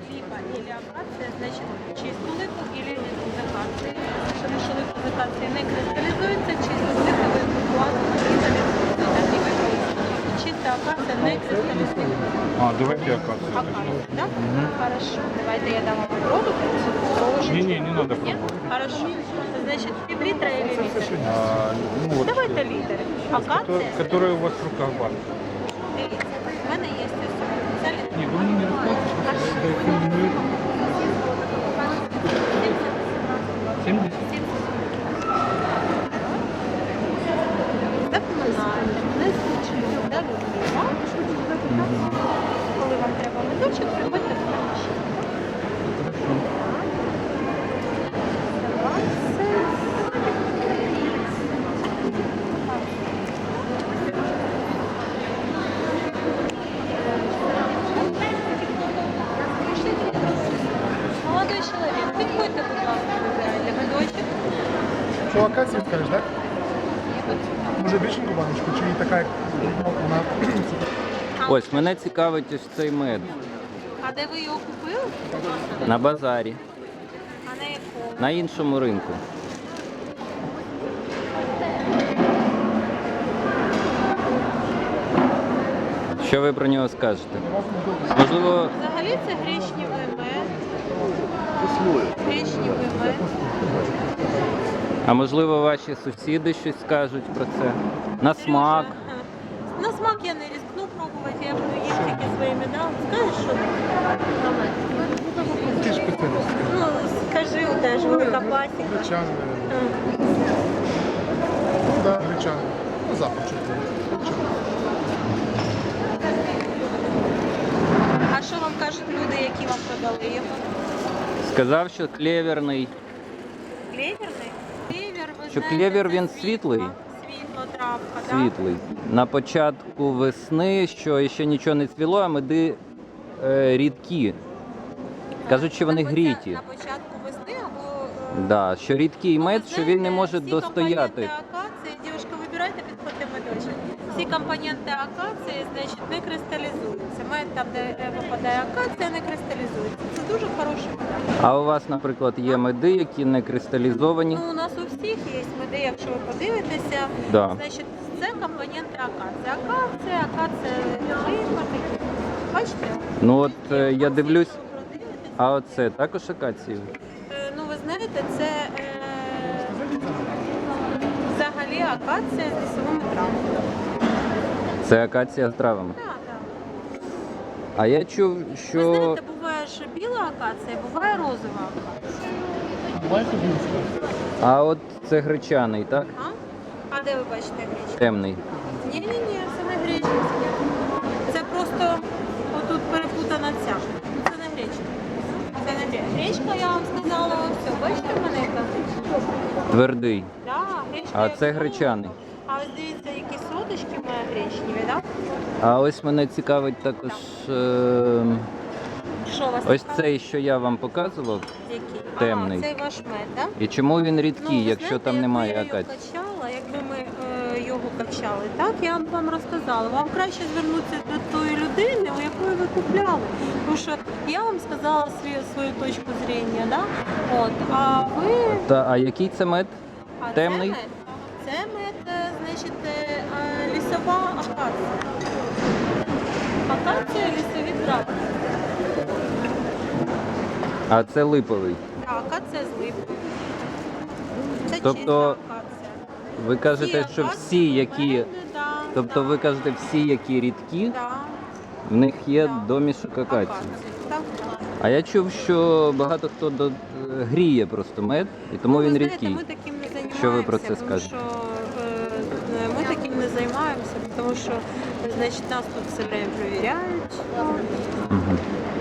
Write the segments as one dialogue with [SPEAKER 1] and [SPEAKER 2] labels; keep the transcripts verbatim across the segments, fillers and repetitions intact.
[SPEAKER 1] либо или акация, значит чисту липу, или з акації. Тому що липу з акації не кристалізується, чисту липу ви класно кристалізується. Так і використовуєте. Чиста акація не кристалізується.
[SPEAKER 2] А, давайте акацию.
[SPEAKER 1] Акация, да? Хорошо. Давайте я дам вам продукт.
[SPEAKER 2] Не-не, не надо
[SPEAKER 1] Нет?
[SPEAKER 2] пробовать.
[SPEAKER 1] Хорошо. Значит, пів-літра или літр?
[SPEAKER 2] А, ну вот,
[SPEAKER 1] Давайте літр. Акація.
[SPEAKER 2] которая у вас в руках банка.
[SPEAKER 1] Дивіться, в мене є ось це літр.
[SPEAKER 2] Не, вы мне не рассказывайте. семьдесят?
[SPEAKER 1] Запоминайте, не звучить, да, любимо. Коли вам треба медочок, приходьте в приміщення. Молодой чоловік, підходьте, будь ласка, вибирайте медочок.
[SPEAKER 3] Що акацію скажеш, так? Може більшеньку баночку, чи така, як вона?
[SPEAKER 4] Ось, мене цікавить ось цей мед
[SPEAKER 1] А де ви його купили?
[SPEAKER 4] на базарі,
[SPEAKER 1] А на якому?
[SPEAKER 4] на іншому ринку. Що ви про нього скажете? Можливо,
[SPEAKER 1] Взагалі це гречневий мед. Гречневий мед.
[SPEAKER 4] а можливо ваші сусіди щось скажуть про це? На смак.
[SPEAKER 1] На смак я не рискну пробувати, я буду їм тільки своїми дам. Скажеш, що?
[SPEAKER 3] Ти ж спеціаліст.
[SPEAKER 1] Ну, скажи, теж велика пасіка.
[SPEAKER 3] Гречани.
[SPEAKER 1] А.
[SPEAKER 3] Ну так, гречани. Ну, запах чути.
[SPEAKER 1] А що вам кажуть люди, які вам продали його?
[SPEAKER 4] Сказав, що клеверний.
[SPEAKER 1] Клеверний? Клевер, ви
[SPEAKER 4] Що
[SPEAKER 1] знаєте,
[SPEAKER 4] клевер,
[SPEAKER 1] це
[SPEAKER 4] він
[SPEAKER 1] світла-
[SPEAKER 4] світлий?
[SPEAKER 1] Світла травка, так?
[SPEAKER 4] Світлий. На початку весни, що ще нічого не цвіло, а меди е, рідкі. Кажуть, що вони
[SPEAKER 1] На поця-
[SPEAKER 4] гріті.
[SPEAKER 1] На початку весни або... е,
[SPEAKER 4] Да, що рідкий
[SPEAKER 1] ну,
[SPEAKER 4] мед,
[SPEAKER 1] ви
[SPEAKER 4] що він не
[SPEAKER 1] знаєте,
[SPEAKER 4] може
[SPEAKER 1] всі
[SPEAKER 4] достояти.
[SPEAKER 1] компоненти акації, дівчатка, вибирайте, підходьте медочок. Всі компоненти акації, значить, не кристалізуються. Мед там, де е, попадає акація, не кристалізується. Це дуже хороший мед.
[SPEAKER 4] А у вас, наприклад, є меди, які не кристалізовані.
[SPEAKER 1] Ну, у нас у всіх є меди, якщо ви подивитеся,
[SPEAKER 4] Да.
[SPEAKER 1] значить, це компоненти акації. Акація, акація, липа, такі. Бачите?
[SPEAKER 4] Ну от е, я дивлюсь,
[SPEAKER 1] Якщо ви продивитеся,
[SPEAKER 4] а оце також акації.
[SPEAKER 1] Е, Ну, ви знаєте, це е, взагалі акація з лісовими травмами.
[SPEAKER 4] Це акація з травами.
[SPEAKER 1] Так, так.
[SPEAKER 4] А я чув,
[SPEAKER 1] Ви
[SPEAKER 4] що
[SPEAKER 1] знаєте, буває ж біла акація, буває розова акація.
[SPEAKER 3] Давайте більше.
[SPEAKER 4] а от це гречаний, так?
[SPEAKER 1] А? А де ви бачите гречку?
[SPEAKER 4] Темний.
[SPEAKER 1] Ні-ні-ні, це не гречка. Це просто отут перепутана ця. Це не гречка. Це не гречка. Гречка, я вам сказала, все, бачите в мене яка гречка?
[SPEAKER 4] Твердий.
[SPEAKER 1] Да, гречка
[SPEAKER 4] А
[SPEAKER 1] як
[SPEAKER 4] це
[SPEAKER 1] солодка.
[SPEAKER 4] гречаний.
[SPEAKER 1] А ось дивіться, які соточки має гречневі, так?
[SPEAKER 4] А ось мене цікавить також е,
[SPEAKER 1] Що у вас
[SPEAKER 4] ось
[SPEAKER 1] цікавить?
[SPEAKER 4] цей, що я вам показував.
[SPEAKER 1] Який?
[SPEAKER 4] темний.
[SPEAKER 1] А, цей ваш мед, так?
[SPEAKER 4] І чому він рідкий,
[SPEAKER 1] ви
[SPEAKER 4] якщо
[SPEAKER 1] знаєте,
[SPEAKER 4] там немає
[SPEAKER 1] якби я його
[SPEAKER 4] акації?
[SPEAKER 1] качала, якби ми е, його качали, так, я б вам розказала. Вам краще звернутися до тої людини, у якої ви купляли. Тому що я вам сказала свою, свою точку зрення, да? От, а ви...
[SPEAKER 4] Та, а який це мед?
[SPEAKER 1] А
[SPEAKER 4] Темний?
[SPEAKER 1] Це мед, це мед, е, значить, е, е, лісова акація. Акація, лісові трави.
[SPEAKER 4] А це липовий.
[SPEAKER 1] Так, акація з липою. Це
[SPEAKER 4] Тобто,
[SPEAKER 1] чиста акація.
[SPEAKER 4] Ви кажете,
[SPEAKER 1] Всі
[SPEAKER 4] що
[SPEAKER 1] акації
[SPEAKER 4] всі,
[SPEAKER 1] у
[SPEAKER 4] які.
[SPEAKER 1] мене, да,
[SPEAKER 4] Тобто
[SPEAKER 1] да,
[SPEAKER 4] ви кажете, всі, які рідкі,
[SPEAKER 1] да,
[SPEAKER 4] в них є
[SPEAKER 1] Да.
[SPEAKER 4] домішок акації.
[SPEAKER 1] акації. Так.
[SPEAKER 4] А я чув, що багато хто до... гріє просто мед, і тому
[SPEAKER 1] Ну,
[SPEAKER 4] він
[SPEAKER 1] ви
[SPEAKER 4] рідкий.
[SPEAKER 1] знаєте, ми таким не займаємося.
[SPEAKER 4] Що ви про це
[SPEAKER 1] тому
[SPEAKER 4] скажете?
[SPEAKER 1] Що, е, ми таким не займаємося, тому що, значить, нас тут все время перевіряють.
[SPEAKER 4] Мгм.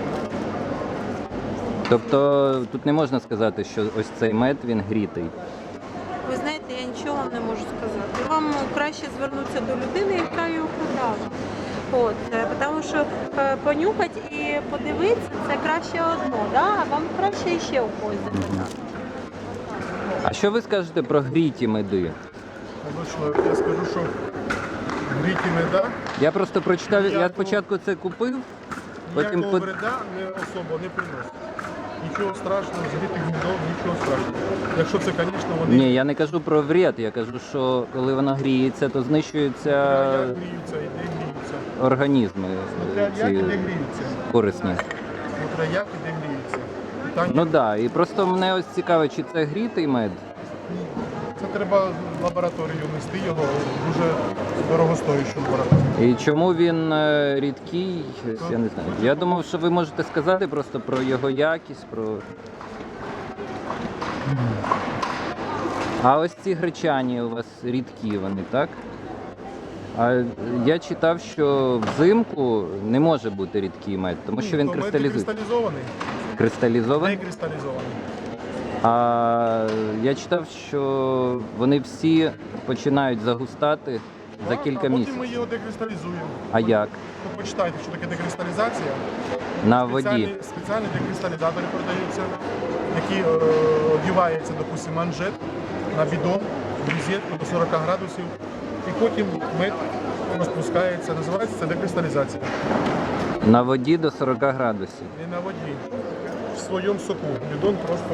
[SPEAKER 4] Тобто тут не можна сказати, що ось цей мед, він грітий.
[SPEAKER 1] Ви знаєте, я нічого вам не можу сказати. Вам краще звернутися до людини, яка його продала. От, е, тому що е, понюхати і подивитися це краще одно, да? А вам краще ще у когось запитати.
[SPEAKER 4] А що ви скажете про гріті меди?
[SPEAKER 3] Обично, я скажу, що гріті меда.
[SPEAKER 4] Я просто прочитав, я
[SPEAKER 3] Я-
[SPEAKER 4] спочатку це купив, Потім
[SPEAKER 3] ніякого
[SPEAKER 4] по-
[SPEAKER 3] вреда не особо не приносить. Нічого страшного, згріти гніздо, нічого страшного. Якщо це, звісно, вони
[SPEAKER 4] Ні, я не кажу про вред, я кажу, що коли вона гріється, то знищуються
[SPEAKER 3] як гріються, і де гріються.
[SPEAKER 4] організми
[SPEAKER 3] Смотря
[SPEAKER 4] е,
[SPEAKER 3] як і де
[SPEAKER 4] ці
[SPEAKER 3] гріються.
[SPEAKER 4] корисні.
[SPEAKER 3] Смотря як і де гріються. Питання,
[SPEAKER 4] Ну так, да. І просто мене ось цікаво, чи це грітий мед.
[SPEAKER 3] це треба в лабораторію нести його, дуже дорогостоящу лабораторію.
[SPEAKER 4] І чому він е, рідкий, ось я не знаю. Я думав, що ви можете сказати просто про його якість, про. А ось ці гречані у вас рідкі вони, так? А я читав, що взимку не може бути рідкий мед, тому що він
[SPEAKER 3] То мед
[SPEAKER 4] кристалізується.
[SPEAKER 3] кристалізований, не
[SPEAKER 4] Кристалізований?
[SPEAKER 3] кристалізований.
[SPEAKER 4] А я читав, що вони всі починають загустати за
[SPEAKER 3] Так,
[SPEAKER 4] кілька
[SPEAKER 3] а потім
[SPEAKER 4] місяців.
[SPEAKER 3] ми його декристалізуємо.
[SPEAKER 4] А як?
[SPEAKER 3] Ну, почитайте, що таке декристалізація.
[SPEAKER 4] На
[SPEAKER 3] Спеціальні,
[SPEAKER 4] воді.
[SPEAKER 3] спеціальні декристалізатори продаються, які е, одіваються, допустимо, манжет на бідон, в розетку до сорока градусів. І потім мед розпускається. Називається це декристалізація.
[SPEAKER 4] На воді до сорока градусів.
[SPEAKER 3] Не на воді. В своєму соку. Бідон просто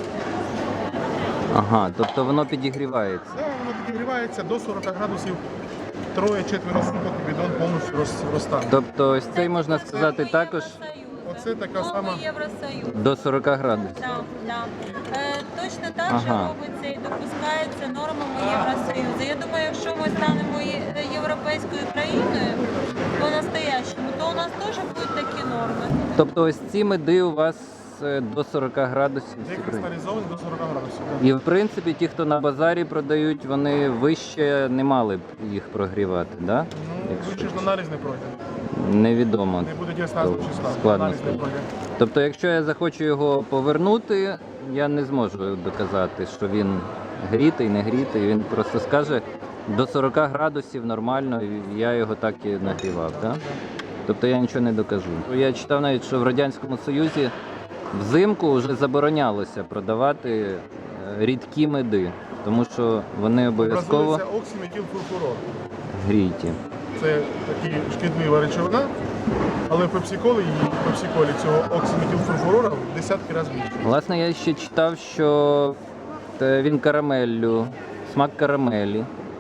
[SPEAKER 4] Ага, тобто воно підігрівається.
[SPEAKER 3] да, воно підігрівається до сорока градусів. Троє-четверо суток і бідон повністю роз- розтане.
[SPEAKER 4] Тобто ось цей можна сказати також
[SPEAKER 3] Оце така сама.
[SPEAKER 1] Норми Євросоюзу.
[SPEAKER 4] до сорока градусів.
[SPEAKER 1] Да, да. Е, точно так же
[SPEAKER 4] Ага.
[SPEAKER 1] робиться і допускається нормами Євросоюзу. Я думаю, якщо ми станемо є- європейською країною по-настоящему, то у нас теж будуть такі норми.
[SPEAKER 4] Тобто ось ці меди у вас е, до сорока градусів.
[SPEAKER 3] Декристалізований до сорока градусів. да.
[SPEAKER 4] І в принципі ті, хто на базарі продають, вони вище не мали б їх прогрівати, да?
[SPEAKER 3] Ну, ви ж на аналіз не пройде.
[SPEAKER 4] Невідомо.
[SPEAKER 3] Не буде діастазу числа.
[SPEAKER 4] Складно
[SPEAKER 3] Аналіз не
[SPEAKER 4] сказати.
[SPEAKER 3] пройде.
[SPEAKER 4] Тобто, якщо я захочу його повернути, я не зможу доказати, що він грітий, не грітий. Він просто скаже до сорока градусів нормально, і я його так і нагрівав. Да? Тобто я нічого не докажу. Я читав навіть, що в Радянському Союзі взимку вже заборонялося продавати е, рідкі меди, тому що вони обов'язково
[SPEAKER 3] Образується оксиметилфурфурор.
[SPEAKER 4] гріті.
[SPEAKER 3] Це така шкідлива речовина, але в пепсиколі і в пепсиколі цього оксиметилфурфурора в десятки разів більше.
[SPEAKER 4] Власне, я ще читав, що е, він карамеллю, смак карамелі.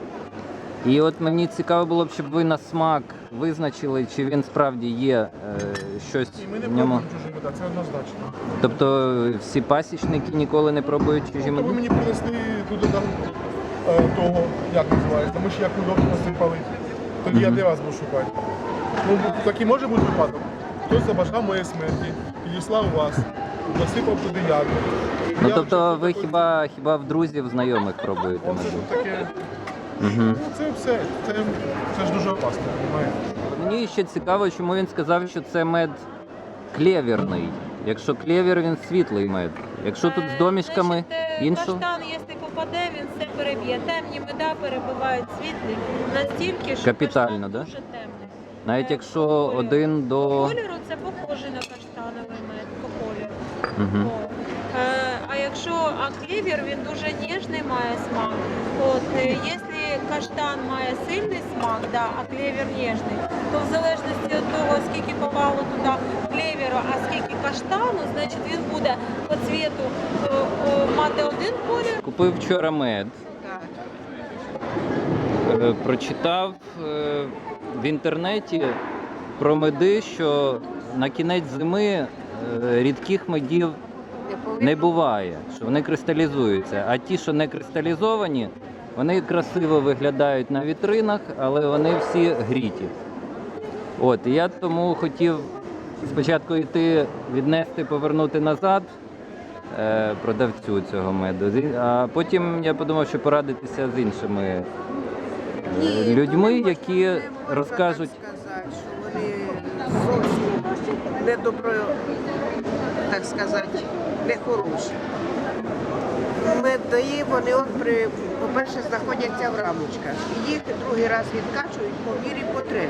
[SPEAKER 4] І от мені цікаво було б, щоб ви на смак визначили, чи він справді є е, щось
[SPEAKER 3] І ми не
[SPEAKER 4] в ньому.
[SPEAKER 3] пробуємо чужі меда, це однозначно.
[SPEAKER 4] Тобто всі пасічники ніколи не пробують чужі
[SPEAKER 3] То ви
[SPEAKER 4] меди?
[SPEAKER 3] мені принесли туди там е, того, як називається, ми ж як удобно насипали. Тоді я
[SPEAKER 4] Мгм.
[SPEAKER 3] де вас буду шукати? Ну, такий може бути випадок. Хтось забажав моєї смерті, підіслав вас, насипав туди ягоди.
[SPEAKER 4] Ну
[SPEAKER 3] Я
[SPEAKER 4] тобто
[SPEAKER 3] вже
[SPEAKER 4] ви
[SPEAKER 3] такий-
[SPEAKER 4] хіба хіба в друзів, знайомих пробуєте
[SPEAKER 3] Оце
[SPEAKER 4] меди?
[SPEAKER 3] ж таке.
[SPEAKER 4] Угу.
[SPEAKER 3] Ну це все. Це, це ж дуже опасно, розумієте?
[SPEAKER 4] Мені ще цікаво, чому він сказав, що це мед клєвірний. Якщо клєвір, він світлий мед. Якщо тут з домішками
[SPEAKER 1] Значить, е,
[SPEAKER 4] іншого.
[SPEAKER 1] Каштан, якщо попаде, він все переб'є. Темні меда перебивають світлі настільки, що
[SPEAKER 4] Капітально,
[SPEAKER 1] каштан
[SPEAKER 4] да?
[SPEAKER 1] дуже темний.
[SPEAKER 4] Навіть
[SPEAKER 1] Е,
[SPEAKER 4] якщо
[SPEAKER 1] по кольору.
[SPEAKER 4] один
[SPEAKER 1] По
[SPEAKER 4] до.
[SPEAKER 1] кольору це похоже на каштановий мед, по кольору.
[SPEAKER 4] Угу.
[SPEAKER 1] От. Е, А якщо а клевер, він дуже ніжний має смак. От, е, якщо каштан має сильний смак, да, а клевер ніжний, то в залежності від того, скільки попало туди клеверу, а скільки каштану, значить він буде по цвіту е, е, мати один колір.
[SPEAKER 4] Купив вчора мед. Е, Прочитав е, в інтернеті про меди, що на кінець зими е, рідких медів не буває, що вони кристалізуються. А ті, що не кристалізовані, вони красиво виглядають на вітринах, але вони всі гріті. От, і я тому хотів спочатку йти віднести, повернути назад е, продавцю цього меду. Зі- А потім я подумав, що порадитися з іншими е,
[SPEAKER 5] Ні,
[SPEAKER 4] людьми,
[SPEAKER 5] то не
[SPEAKER 4] які
[SPEAKER 5] можна- не можна
[SPEAKER 4] розкажуть.
[SPEAKER 5] так сказати, що вони зовсім недобро, так сказати, нехороші. Меди, вони от при, по-перше, знаходяться в рамочках. Їх другий раз відкачують по мірі потреби.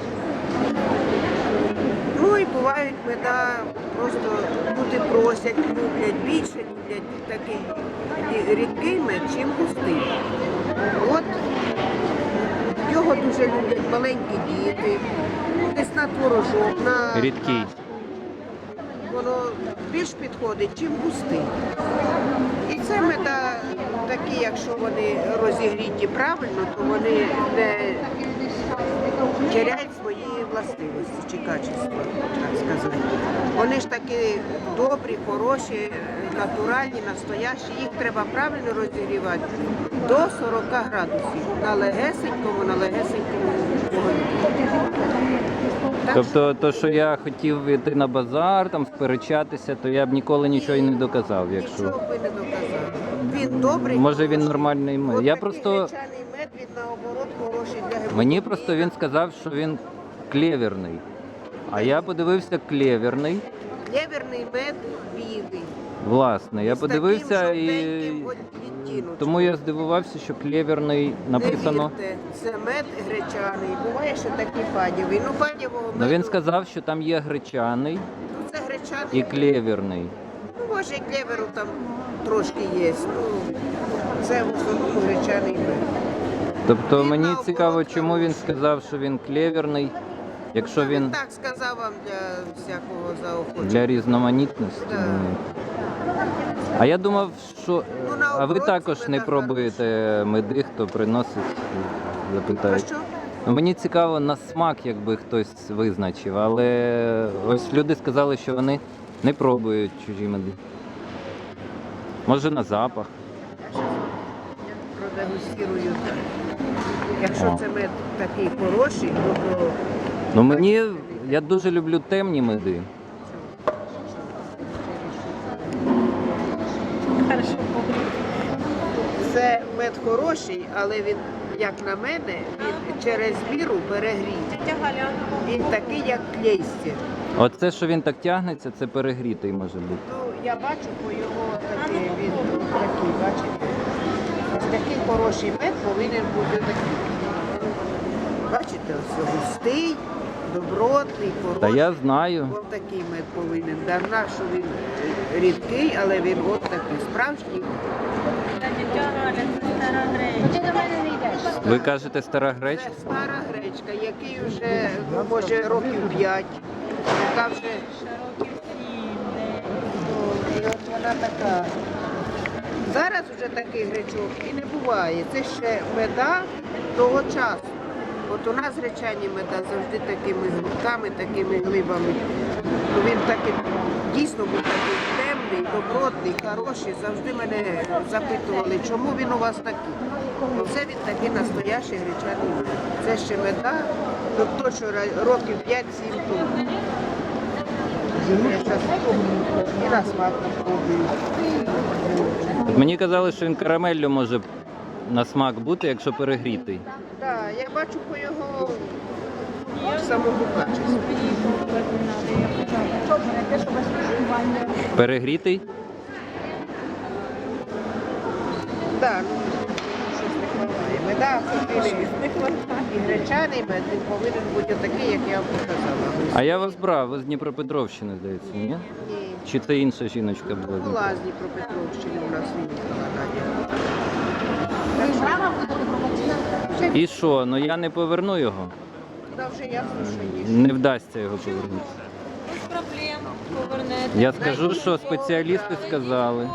[SPEAKER 5] Ну і бувають меда, просто люди просять, люблять, більше люблять такий рідкий мед, чим густий. От його дуже люблять маленькі діти, десь на творожок, на
[SPEAKER 4] Рідкий.
[SPEAKER 5] більш підходить, чим густий. І це меда такі, якщо вони розігріті правильно, то вони не теряють свої властивості чи качества, так сказати. Вони ж такі добрі, хороші, натуральні, настоящі. Їх треба правильно розігрівати до сорока градусів на легесенькому, на легесенькому вогні. Так
[SPEAKER 4] Тобто, то, що я хотів йти на базар, там сперечатися, то я б ніколи нічого і не доказав, якщо.
[SPEAKER 5] Нічого би не доказав. Він добрий.
[SPEAKER 4] Може він
[SPEAKER 5] хороший.
[SPEAKER 4] нормальний мед.
[SPEAKER 5] От
[SPEAKER 4] Я
[SPEAKER 5] такий
[SPEAKER 4] просто
[SPEAKER 5] гречаний мед, він наоборот хороший для гемоглобіну.
[SPEAKER 4] мені просто він сказав, що він клєверний. А я подивився клєверний.
[SPEAKER 5] Клєверний мед білий.
[SPEAKER 4] Власне, я
[SPEAKER 5] З
[SPEAKER 4] подивився
[SPEAKER 5] таким
[SPEAKER 4] і
[SPEAKER 5] жовтеньким от відтіночком.
[SPEAKER 4] тому я здивувався, що клєверний написано.
[SPEAKER 5] Не вірте, це мед гречаний. Буває, що такий падєвий. Ну, падєвого меду,
[SPEAKER 4] Ну він сказав, що там є гречаний
[SPEAKER 5] ну, це гречаний.
[SPEAKER 4] і клєверний.
[SPEAKER 5] Ну, може, і клеверу там трошки є. Ну, це в основному гречаний мед.
[SPEAKER 4] Тобто
[SPEAKER 5] Він
[SPEAKER 4] мені
[SPEAKER 5] наоборот
[SPEAKER 4] цікаво, чому він
[SPEAKER 5] хороший.
[SPEAKER 4] сказав, що він клєверний, якщо
[SPEAKER 5] Ну,
[SPEAKER 4] він
[SPEAKER 5] так сказав вам для всякого заохочення.
[SPEAKER 4] для різноманітності.
[SPEAKER 5] Да.
[SPEAKER 4] А я думав, що
[SPEAKER 5] Ну, на
[SPEAKER 4] а ви
[SPEAKER 5] оборот
[SPEAKER 4] також
[SPEAKER 5] це
[SPEAKER 4] не
[SPEAKER 5] так
[SPEAKER 4] пробуєте меди, хто приносить,
[SPEAKER 5] А
[SPEAKER 4] запитають.
[SPEAKER 5] що?
[SPEAKER 4] Ну, мені цікаво на смак, якби хтось визначив, але ось люди сказали, що вони не пробують чужі меди. Може на запах.
[SPEAKER 5] Продегустирую так. Якщо
[SPEAKER 4] О.
[SPEAKER 5] це мед такий хороший, то, то
[SPEAKER 4] Ну мені я дуже люблю темні меди.
[SPEAKER 1] Хорошо.
[SPEAKER 5] це мед хороший, але він, як на мене, він через міру перегріє.
[SPEAKER 1] Тетя Галя,
[SPEAKER 5] Він такий, як клейстер.
[SPEAKER 4] Оце, що він так тягнеться, це перегрітий може бути.
[SPEAKER 5] Ну, я бачу по його такий, він такий, бачите? Ось такий хороший мед повинен бути такий. Бачите, ось густий, добротний, хороший.
[SPEAKER 4] Та я знаю.
[SPEAKER 5] Ось такий мед повинен. Дарна, що він е, рідкий, але він от такий справжній.
[SPEAKER 1] тетя Галя, це стара гречка.
[SPEAKER 4] Ви кажете стара
[SPEAKER 5] Це
[SPEAKER 4] гречка?
[SPEAKER 5] стара гречка, який вже, ну, може, років п'ять. Яка вже,
[SPEAKER 1] Років сім,
[SPEAKER 5] ну, і от вона така. Зараз вже такий гречок і не буває. Це ще меда того часу. От у нас гречані меда завжди такими грудками, такими глибами. Ну, він такий, дійсно був такий темний, добротний, хороший. Завжди мене запитували, чому він у вас такий. Оце він такий настоящий гречаний мед. Це ще меда, тобто що ра- років п'ять-сім тому. Я зараз і на смак попробую.
[SPEAKER 4] Мені казали, що він карамеллю може на смак бути, якщо перегрітий.
[SPEAKER 5] Так, я бачу по його самому качеству.
[SPEAKER 4] Перегрітий?
[SPEAKER 5] Так, ну, щось не хватає. Меда повинен і гречаний мед, він повинен бути такий, як я вам показала.
[SPEAKER 4] А я вас брав, ви з Дніпропетровщини, здається, ні?
[SPEAKER 5] Ні,
[SPEAKER 4] Чи це інша жіночка була?
[SPEAKER 5] була з Дніпропетровщини у нас виїхала Надя.
[SPEAKER 4] І що? Ну я не поверну його.
[SPEAKER 5] Та вже ясно, що є.
[SPEAKER 4] Не вдасться його повернути.
[SPEAKER 1] Без проблем повернете.
[SPEAKER 4] Я скажу, що спеціалісти сказали.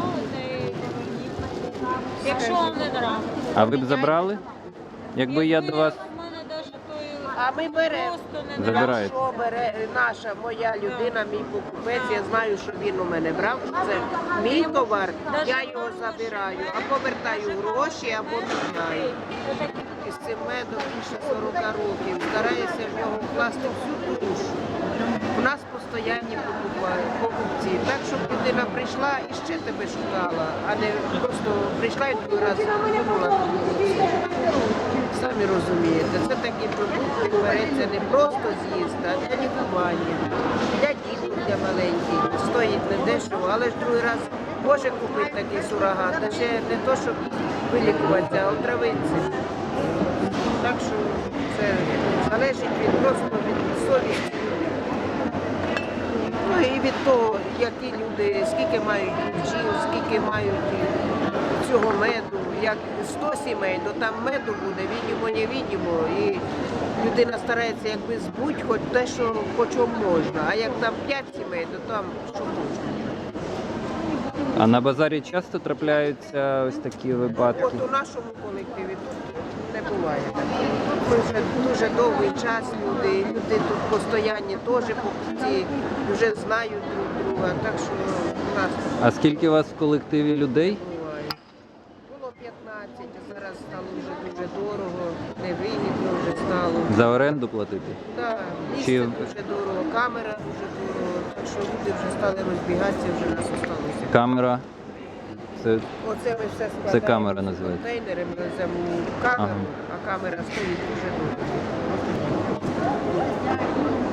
[SPEAKER 1] Якщо вам не нравиться.
[SPEAKER 4] А ви б забрали? Якби я до вас.
[SPEAKER 1] У мене навіть той
[SPEAKER 5] А ми беремо.
[SPEAKER 1] просто не
[SPEAKER 4] Забираєте.
[SPEAKER 5] Що бере наша, моя людина, мій покупець, я знаю, що він у мене брав, що це мій товар, я його забираю, або вертаю гроші, або міняю. І з цим медом більше сорока років, стараюся в нього вкласти всю душу. У нас постійні покупають, покупці. Так, щоб людина прийшла і ще тебе шукала, а не просто прийшла і другий раз купила. Самі розумієте, це такі продукти береться не просто з'їсти, а для лікування, для діток, для маленьких. Стоїть не дешево, але ж другий раз може купити такий сурогат, та ще не то, щоб вилікуватися, а отравитися. Так що це залежить від просто від совісті. Ну і від того, які люди, скільки мають бджіл, скільки мають цього меду, як сто сімей, то там меду буде, відімо, не відімо. І людина старається якби збути хоч те, що по чому можна. А як там п'ять сімей, то там що можна.
[SPEAKER 4] А на базарі часто трапляються ось такі випадки?
[SPEAKER 5] От у нашому колективі тут не буває такого. Тут ми вже дуже довгий час люди, люди тут постоянні теж покупці, вже знають друг друга, так що у нас
[SPEAKER 4] А скільки у вас в колективі людей?
[SPEAKER 5] не буває. Було п'ятнадцять, а зараз стало вже дуже дорого, невигідно вже стало.
[SPEAKER 4] За оренду платити?
[SPEAKER 5] Так, місце
[SPEAKER 4] Чи-
[SPEAKER 5] дуже дорого, камера дуже дорого, так що люди вже стали розбігатися, вже нас осталося.
[SPEAKER 4] Камера? Це
[SPEAKER 5] Оце ми все складаємо.
[SPEAKER 4] Це камера називається.
[SPEAKER 5] Контейнери ми веземо у камеру,
[SPEAKER 4] Ага.
[SPEAKER 5] а камера стоїть дуже довго.